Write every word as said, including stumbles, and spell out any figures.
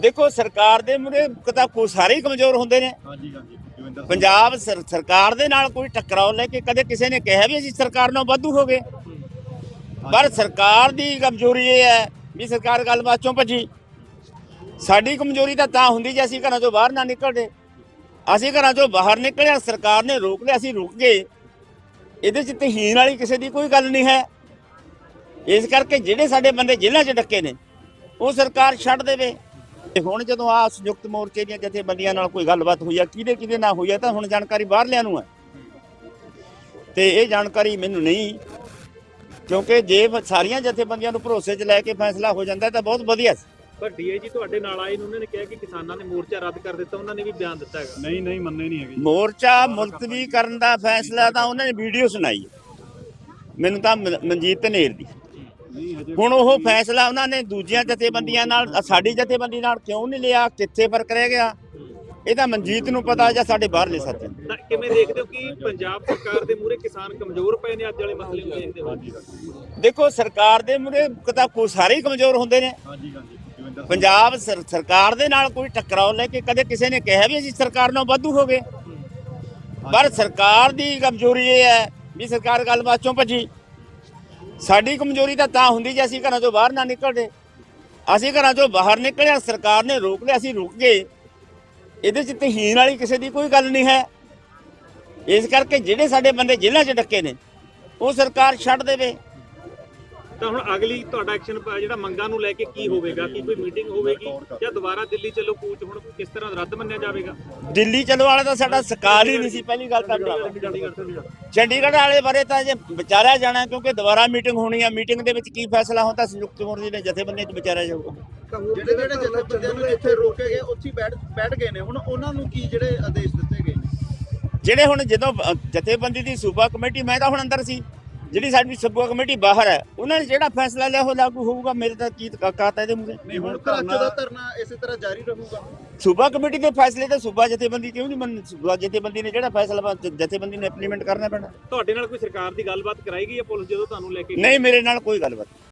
देखो सरकार ਦੇ ਮੁਰੇ ਤਾਂ ਕੋਈ ਸਾਰੇ ਹੀ ਕਮਜ਼ੋਰ ਹੁੰਦੇ ਨੇ। ਹਾਂਜੀ ਹਾਂਜੀ ਜੋਗਿੰਦਰ ਸਿੰਘ। ਪੰਜਾਬ ਸਰ- ਸਰਕਾਰ ਦੇ ਨਾਲ ਕੋਈ ਟਕਰਾਓ ਲੈ ਕੇ ਕਦੇ ਕਿਸੇ ਨੇ ਕਿਹਾ ਵੀ ਅਸੀਂ ਸਰਕਾਰ ਨਾਲ ਵਾਧੂ ਹੋ ਗਏ, ਪਰ ਸਰਕਾਰ ਦੀ ਕਮਜ਼ੋਰੀ ਇਹ ਹੈ ਵੀ ਸਰਕਾਰ ਗੱਲਬਾਤ ਚੋਂ ਭੱਜੀ। ਸਾਡੀ ਕਮਜ਼ੋਰੀ ਤਾਂ ਤਾਂ ਹੁੰਦੀ ਜੇ ਅਸੀਂ ਘਰਾਂ ਚੋਂ ਬਾਹਰ ਨਾ ਨਿਕਲਦੇ। ਅਸੀਂ ਘਰਾਂ ਚੋਂ ਬਾਹਰ ਨਿਕਲਿਆ, ਸਰਕਾਰ ਨੇ ਰੋਕ ਲਿਆ, ਅਸੀਂ ਰੁਕ ਗਏ। ਇਹਦੇ 'ਚ ਤਹੀਨ ਵਾਲੀ ਕਿਸੇ ਦੀ ਕੋਈ ਗੱਲ ਨਹੀਂ ਹੈ। ਇਸ ਕਰਕੇ ਜਿਹੜੇ ਸਾਡੇ ਬੰਦੇ ਜੇਲ੍ਹਾਂ 'ਚ ਡੱਕੇ ਨੇ ਉਹ ਸਰਕਾਰ ਛੱਡ ਦੇਵੇ। ਤੇ ਹੁਣ ਜਦੋਂ ਆ ਸੰਯੁਕਤ ਮੋਰਚੇ ਦੀਆਂ ਜਥੇਬੰਦੀਆਂ ਨਾਲ ਕੋਈ ਗੱਲਬਾਤ ਹੋਈ ਆ, ਕਿਹਦੇ ਕਿਹਦੇ ਨਾਲ ਹੋਈ ਆ, ਤਾਂ ਹੁਣ ਜਾਣਕਾਰੀ ਬਾਹਰਲਿਆਂ ਨੂੰ ਹੈ ਤੇ ਇਹ ਜਾਣਕਾਰੀ ਮੈਨੂੰ ਨਹੀਂ, ਕਿਉਂਕਿ ਜੇ ਸਾਰੀਆਂ ਜਥੇਬੰਦੀਆਂ ਨੂੰ ਭਰੋਸੇ 'ਚ ਲੈ ਕੇ ਫੈਸਲਾ ਹੋ ਜਾਂਦਾ ਤਾਂ ਬਹੁਤ ਵਧੀਆ ਸੀ। ਪਰ ਡੀਆਈਜੀ ਤੁਹਾਡੇ ਨਾਲ ਆਏ ਨੇ, ਉਹਨਾਂ ਨੇ ਕਿਹਾ ਕਿ ਕਿਸਾਨਾਂ ਨੇ ਮੋਰਚਾ ਰੱਦ ਕਰ ਦਿੱਤਾ। ਉਹਨਾਂ ਨੇ ਵੀ ਬਿਆਨ ਦਿੱਤਾ ਹੈਗਾ। ਨਹੀਂ ਨਹੀਂ ਮੰਨੇ ਨਹੀਂ ਹੈਗੇ ਜੀ। ਮੋਰਚਾ ਮੁਲਤਵੀ ਕਰਨ ਦਾ ਫੈਸਲਾ ਤਾਂ ਉਹਨਾਂ ਨੇ ਵੀਡੀਓ ਸੁਣਾਈ ਮੈਨੂੰ ਤਾਂ ਮ- ਮਨਜੀਤ ਧਨੇਰ ਦੀ। ਨਹੀਂ ਹਜੇ ਹੁਣ ਉਹ ਫੈਸਲਾ ਉਹਨਾਂ ਨੇ ਦੂਜੀਆਂ ਜਥੇਬੰਦੀਆਂ ਨਾਲ, ਸਾਡੀ ਜਥੇਬੰਦੀ ਨਾਲ ਕਿਉਂ ਨਹੀਂ ਲਿਆ, ਕਿੱਥੇ ਫਰਕ ਰਹਿ ਗਿਆ, ਇਹ ਤਾਂ ਮਨਜੀਤ ਨੂੰ ਪਤਾ ਜਾਂ ਸਾਡੇ ਬਾਹਰਲੇ ਸਾਥੀ ਨੂੰ। ਤਾਂ ਕਿਵੇਂ ਦੇਖਦੇ ਹੋ ਕਿ ਪੰਜਾਬ ਸਰਕਾਰ ਦੇ ਮੂਹਰੇ ਕਿਸਾਨ ਕਮਜ਼ੋਰ ਪਏ ਨੇ? ਅੱਜ ਵਾਲੇ ਮਸਲੇ ਨੂੰ ਦੇਖਦੇ ਹੋ? ਹਾਂਜੀ ਹਾਂਜੀ ਦੇਖੋ ਸਰਕਾਰ ਦੇ ਮੁਰੇ ਤਾਂ ਕੋਈ ਸਾਰੇ ਹੀ ਕਮਜ਼ੋਰ ਹੁੰਦੇ ਨੇ। ਹਾਂਜੀ ਹਾਂਜੀ ਜੋਗਿੰਦਰ ਸਿੰਘ। ਪੰਜਾਬ ਸਰ- ਸਰਕਾਰ ਦੇ ਨਾਲ ਕੋਈ ਟਕਰਾਓ ਲੈ ਕੇ ਕਦੇ ਕਿਸੇ ਨੇ ਕਿਹਾ ਵੀ ਅਸੀਂ ਸਰਕਾਰ ਨਾਲ ਵਾਧੂ ਹੋ ਗਏ, ਪਰ ਸਰਕਾਰ ਦੀ ਕਮਜ਼ੋਰੀ ਇਹ ਹੈ ਵੀ ਸਰਕਾਰ ਗੱਲਬਾਤ ਚੋਂ ਭੱਜੀ। ਸਾਡੀ ਕਮਜ਼ੋਰੀ ਤਾਂ ਤਾਂ ਹੁੰਦੀ ਜੇ ਅਸੀਂ ਘਰਾਂ ਚੋਂ ਬਾਹਰ ਨਾ ਨਿਕਲਦੇ। ਅਸੀਂ ਘਰਾਂ ਚੋਂ ਬਾਹਰ ਨਿਕਲਿਆ, ਸਰਕਾਰ ਨੇ ਰੋਕ ਲਿਆ, ਅਸੀਂ ਰੁਕ ਗਏ। ਇਹਦੇ 'ਚ ਤਹੀਨ ਵਾਲੀ ਕਿਸੇ ਦੀ ਕੋਈ ਗੱਲ ਨਹੀਂ ਹੈ। ਇਸ ਕਰਕੇ ਜਿਹੜੇ ਸਾਡੇ ਬੰਦੇ ਜੇਲ੍ਹਾਂ 'ਚ ਡੱਕੇ ਨੇ ਉਹ ਸਰਕਾਰ ਛੱਡ ਦੇਵੇ। ਤਾਂ ਹੁਣ ਅਗਲੀ ਤੁਹਾਡਾ ਐਕਸ਼ਨ ਜਿਹੜਾ ਮੰਗਾਂ ਨੂੰ ਲੈ ਕੇ ਕੀ ਹੋਵੇਗਾ? ਕੀ ਕੋਈ ਮੀਟਿੰਗ ਹੋਵੇਗੀ ਜਾਂ ਦੁਬਾਰਾ ਦਿੱਲੀ ਚੱਲੋ ਕੂਚ ਹੁਣ ਕਿਸ ਤਰ੍ਹਾਂ ਰੱਦ ਮੰਨਿਆ ਜਾਵੇਗਾ? ਦਿੱਲੀ ਚਲੋ ਵਾਲਾ ਤਾਂ ਸਾਡਾ ਸਕਾਲ ਹੀ ਨਹੀਂ ਸੀ ਪਹਿਲੀ ਗੱਲ ਤਾਂ। ਚੰਡੀਗੜ੍ਹ ਵਾਲੇ ਬਾਰੇ ਤਾਂ ਜੇ ਵਿਚਾਰਿਆ ਜਾਣਾ, ਕਿਉਂਕਿ ਦੁਬਾਰਾ ਮੀਟਿੰਗ ਹੋਣੀ ਆ। ਮੀਟਿੰਗ ਦੇ ਵਿੱਚ ਕੀ ਫੈਸਲਾ ਹੁੰਦਾ ਸੰਯੁਕਤ ਮੋਰਚੇ ਦੇ ਜਥੇਬੰਦੀਆਂ 'ਚ ਵਿਚਾਰਿਆ ਜਾਊਗਾ। ਜਿਹੜੇ ਜਿਹੜੇ ਜਥੇਬੰਦੀਆਂ ਨੂੰ ਇੱਥੇ ਰੋਕੇ ਗਏ ਉੱਥੇ ਬੈਠ ਬੈਠ ਗਏ ਨੇ, ਹੁਣ ਉਹਨਾਂ ਨੂੰ ਕੀ ਜਿਹੜੇ ਆਦੇਸ਼ ਦਿੱਤੇ ਗਏ ਨੇ? ਜਿਹੜੇ ਹੁਣ ਜਦੋਂ ਅ, ਜਥੇਬੰਦੀ ਦੀ ਸੂਬਾ ਕਮੇਟੀ, ਮੈਂ ਤਾਂ ਹੁਣ ਅੰਦਰ ਸੀ, ਜਿਹੜੀ ਸਾਡੀ ਸੂਬਾ ਕਮੇਟੀ ਬਾਹਰ ਹੈ, ਉਹਨਾਂ ਨੇ ਜਿਹੜਾ ਫੈਸਲਾ ਲਿਆ ਉਹ ਲਾਗੂ ਹੋਊਗਾ। ਮੇਰੇ ਤਾਂ ਕੀ ਕਾਤਾ ਇਹਦੇ ਮੂਹਰੇ। ਨਹੀਂ ਹੁਣ ਧਰਨਾ ਦਾ ਧਰਨਾ ਇਸੇ ਤਰ੍ਹਾਂ ਜਾਰੀ ਰਹੂਗਾ। ਸੂਬਾ ਕਮੇਟੀ ਦੇ ਫੈਸਲੇ ਤਾਂ ਸੂਬਾ ਜਥੇਬੰਦੀ ਕਿਉਂ ਨਹੀਂ ਮੰਨ? ਸੂਬਾ ਜਥੇਬੰਦੀ ਨੇ ਜਿਹੜਾ ਫੈਸਲਾ ਜਥੇਬੰਦੀ ਨੇ ਇੰਪਲੀਮੈਂਟ ਕਰਨਾ ਪੈਣਾ। ਤੁਹਾਡੇ ਨਾਲ ਕੋਈ ਸਰਕਾਰ ਦੀ ਗੱਲਬਾਤ ਕਰਾਈ ਗਈ ਹੈ ਪੁਲਿਸ ਜਦੋਂ ਤੁਹਾਨੂੰ ਲੈ ਕੇ ਗਈ? ਨਹੀਂ, ਮੇਰੇ ਨਾਲ ਕੋਈ ਗੱਲਬਾਤ